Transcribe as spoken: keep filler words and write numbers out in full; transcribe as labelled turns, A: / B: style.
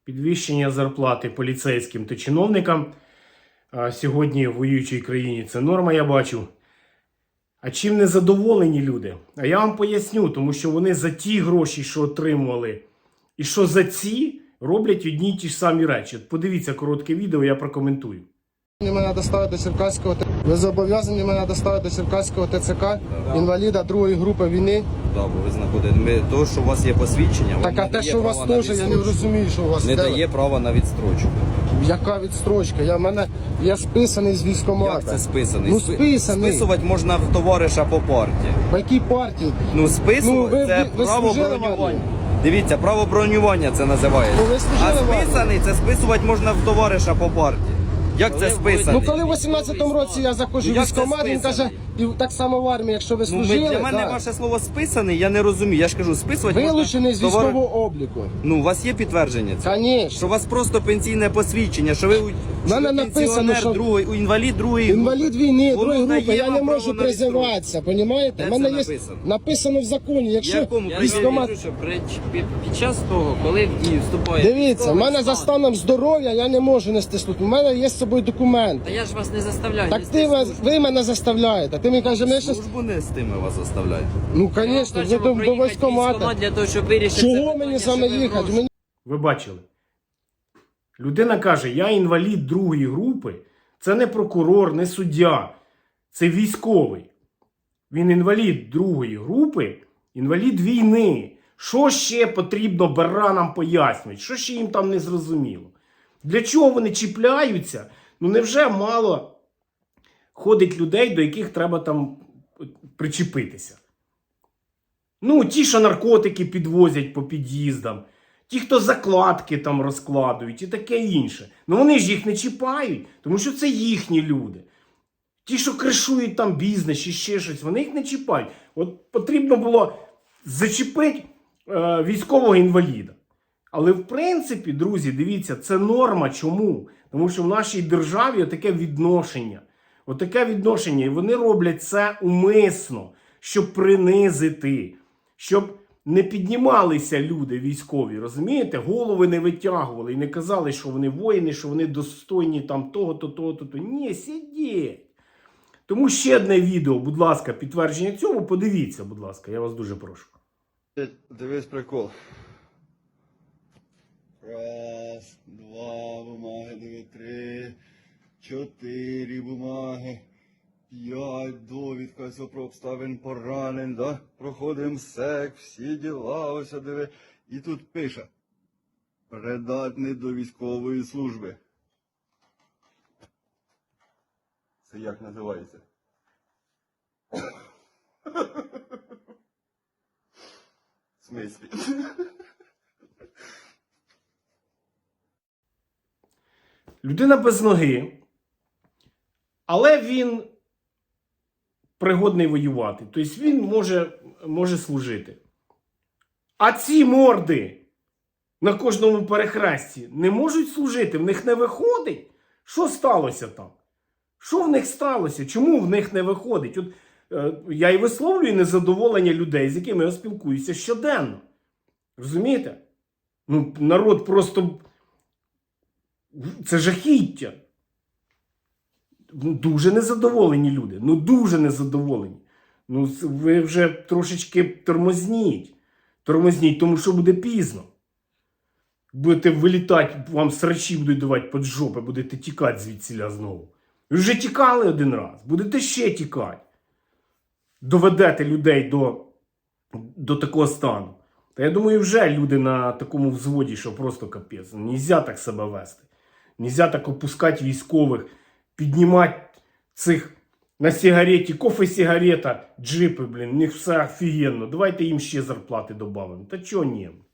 A: Підвищення зарплати поліцейським та чиновникам. А сьогодні в воюючій країні це норма, я бачу. А чим не задоволені люди? А я вам поясню, тому що вони за ті гроші, що отримували, і що за ці, роблять одні й ті ж самі речі. От подивіться коротке відео, я прокоментую.
B: Мене доставити до Черкаського ТЦК. Ви зобов'язані мене доставити до Черкаського ТЦК,
C: Да.
B: інваліда другої групи війни.
C: Так, бо ви знаходите. Ми, то, що у вас є посвідчення, вам
B: Так,
C: не
B: а те,
C: дає
B: що у вас
C: права на
B: теж, я не
C: відстрочку.
B: розумію, що у вас.
C: Не
B: Де
C: дає
B: ви?
C: права на відстрочку.
B: Яка відстрочка? Я, мене, я списаний з військкомата.
C: Як це списаний?
B: Ну,
C: Спи-
B: списаний.
C: Списувати можна в товариша по партії.
B: По якій партії?
C: Ну, списувати
B: Ну, ви-
C: це
B: ви- ви
C: право
B: служили в
C: бронювання.
B: армії?
C: Дивіться, право бронювання це називається.
B: Ну, ви служили
C: а
B: в армії?
C: списаний це списувати можна в товариша по партії. Як це списаний?
B: Ну, коли в вісімнадцятому році я заходжу
C: Ну,
B: в
C: як це
B: військкомат, він каже,
C: списаний?
B: і так само в армії, якщо ви
C: Ну, ви-
B: служили,
C: для мене
B: да.
C: ваше слово списаний, я не розумію. Я ж кажу, списувати
B: Вилучений
C: можна
B: з
C: в товари-
B: військового обліку.
C: Ну, у вас є підтвердження цього?
B: Звісно.
C: Що у вас просто пенсійне посвідчення, що ви, у- що
B: мене
C: ви
B: написано,
C: пенсіонер
B: що-
C: другої, у інвалід другої групи.
B: Інвалід війни,
C: Воно
B: другої групи,
C: дає
B: я
C: вам
B: не
C: право
B: можу
C: на
B: призиватися, понімаєте?
C: Де
B: У мене
C: це
B: є
C: написано?
B: написано в законі, якщо
C: Якому?
D: Я
B: військкомат...
D: кажу, що при- під, під час того, коли в дію вступає...
B: Дивіться, в
D: військовий
B: мене за
D: стан,
B: станом здоров'я я не можу нести службу. У мене є з собою документ.
D: Та я ж вас не заставляю.
B: Так
D: нести
B: ти вас-
D: службу.
B: ви мене заставляєте. Ти мені кажеш, ми щас...
C: Службу не з тими вас заставляють.
B: Ну,
D: Ми вам
B: звісно,
D: кажемо
B: ви до, до
D: проїхати
B: військкомата.
D: військкомат для того, щоб вирішити це
B: Чого
D: питання,
B: мені
D: щоб
B: саме
D: ви
B: їхати?
D: гроші-
B: Мені...
A: Ви бачили? Людина каже, я інвалід другої групи. Це не прокурор, не суддя. Це військовий. Він інвалід другої групи, інвалід війни. Що ще потрібно баранам пояснювати? Що ще їм там не зрозуміло? Для чого вони чіпляються? Ну невже мало ходить людей, до яких треба там причепитися? Ну, ті, що наркотики підвозять по під'їздам, ті, хто закладки там розкладують і таке інше. Ну вони ж їх не чіпають, тому що це їхні люди. Ті, що кришують там бізнес чи ще щось, вони їх не чіпають. От потрібно було зачепити е, військового інваліда. Але в принципі, друзі, дивіться, це норма. Чому? Тому що в нашій державі отаке відношення. Отаке відношення. І вони роблять це умисно, щоб принизити, щоб не піднімалися люди військові, розумієте? Голови не витягували і не казали, що вони воїни, що вони достойні там того-то, того-то. то Ні, сидіть. Тому ще одне відео, будь ласка, підтвердження цьому, подивіться, будь ласка, я вас дуже прошу.
E: Дивись прикол. Раз, два бумаги, диви, три, чотири бумаги, п'ять, довідка, все про обставин поранень, да? Проходимо сек, всі діла, ось диви. І тут пише. Придатний до військової служби. Це як називається? В смислі?
A: Людина без ноги, але він пригодний воювати. Тобто він може, може служити. А ці морди на кожному перехресті не можуть служити, в них не виходить. Що сталося там? Що в них сталося? Чому в них не виходить? От е, я і висловлюю незадоволення людей, з якими я спілкуюся щоденно. Розумієте? Ну, народ просто... Це жахіття. Ну, дуже незадоволені люди. Ну, дуже незадоволені. Ну, ви вже трошечки тормозніть. Тормозніть, тому що буде пізно. Будете вилітати, вам срачі будуть давати під жопи, будете тікати звідсіля знову. Ви вже тікали один раз, будете ще тікати. Доведете людей до, до такого стану. Та я думаю, вже люди на такому взводі, що просто капець. Нельзя так себе вести. Нельзя так опускати військових, піднімати цих на сигареті, кофе, сигарета, джипи, блін, у них все офігенно. Давайте їм ще зарплати додамо. Та чого ні?